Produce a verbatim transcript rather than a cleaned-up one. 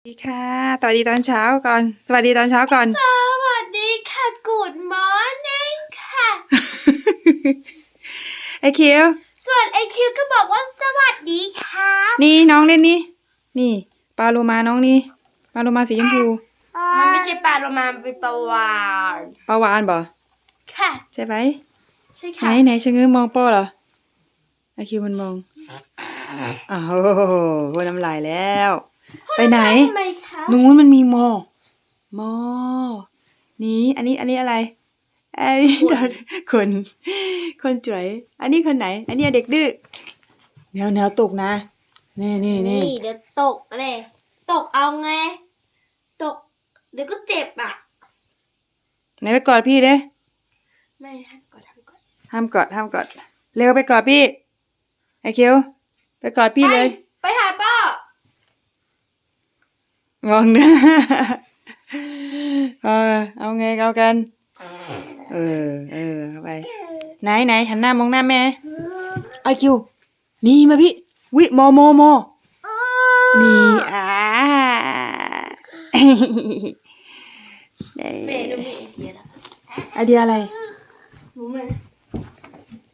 สวัสดีค่ะสวัสดีตอนเช้าก่อนสวัสดีตอนเช้าก่อนสวัสดีค่ะ Good morning ค่ะไอคิวส่วนไอคิวก็บอกว่าสวัสดีครับนี่น้องเล่นนี่นี่ปลาโลมาน้องนี่ปลาโลมาสีชมพูมันไม่ใช่ปลาโลมามันเป็นปลาวาฬปลาวาฬบ่ค่ะใช่ไหมใช่ไหนค่ะไหนชะเง้อมองป้อเหรอไอคิวมันมองอ้าวโหน้ำลายแล้ว ไปไหนทำไมคะนู้นมันมีมอมอนี่อันนี้อันนี้อะไรไอ้คนคนจ๋วยอันนี้คนไหน อันนี้เด็กดื้อแนวแนวตกนะนี่นี่นี่เดี๋ยวตกเลยตกเอาไง ตก เดี๋ยวก็เจ็บอ่ะไหนไปกอดพี่เด้ไม่ห้ามกดทำก่อนห้ามกอดห้ามกอดเร็วไปกอดพี่ไอคิวไปกอดพี่เลยไปหาป้ามองหน้าเออเอาไงเอากันเออเออเข้าไปไหนไหนหันหน้ามองหน้าแม่ไอคิวนี่มาพี่วิโมโมโมนี่อ่าแม่ดูมีไอเดียแล้วไอเดียอะไรรู้ไหม